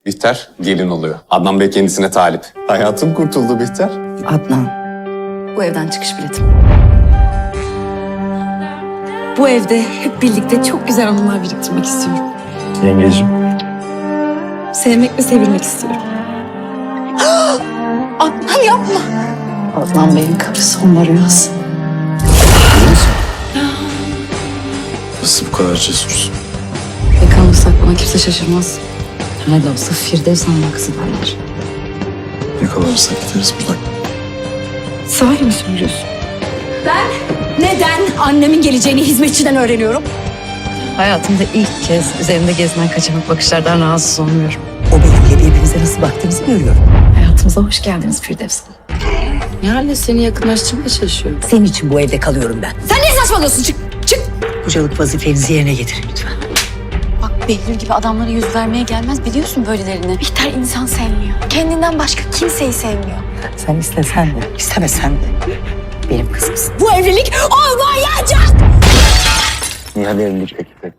Bihter gelin oluyor. Adnan Bey kendisine talip. Hayatım kurtuldu Bihter. Adnan, bu evden çıkış biletim. Bu evde hep birlikte çok güzel anılar biriktirmek istiyorum. Yengeciğim. Sevmek ve sevilmek istiyorum. Adnan yapma. Adnan Bey'in karısı onlar rüyası. Nasıl bu kadar cesursun? Yakalırsak bana kimse şaşırmaz. Nerede olsa Firdevs Hanım'ın kızı derler. Yakalarsak gideriz buradan. Sahi mi söylüyorsun? Neden annemin geleceğini hizmetçiden öğreniyorum? Hayatımda ilk kez üzerimde gezinen kaçamak bakışlardan rahatsız olmuyorum. O benimle birbirimize nasıl baktığımızı görüyorum. Hayatımıza hoş geldiniz Firdevs Hanım. Nihal'le seni yakınlaştırmaya çalışıyorum. Senin için bu evde kalıyorum ben. Sen ne saçmalıyorsun? Çık, çık. Kocalık vazifenizi yerine getirin lütfen. Bak Behlül gibi adamlara yüz vermeye gelmez, biliyorsun böylelerini. Bihter insan sevmiyor. Kendinden başka kimseyi sevmiyor. Sen istesen de, istemesen de benim kızımsın. Bu evlilik olmayacak. Nihal evlilik teklif etti.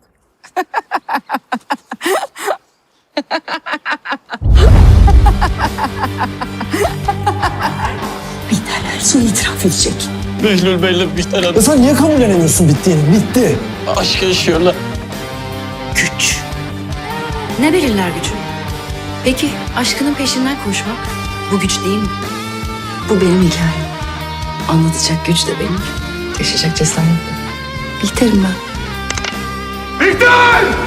Bihter her şeyi itiraf edecek. Behlül Bey'le Bihter Hanım Ya sen niye kabullenemiyorsun bittiğini? Bitti. aşk yaşıyorlar. Güç. Ne belirler gücü? Peki aşkının peşinden koşmak bu güç değil mi? Bu benim hikayem. Anlatacak güç de benim. Yaşayacak cesaret de. Bihter'im ben. Bihter!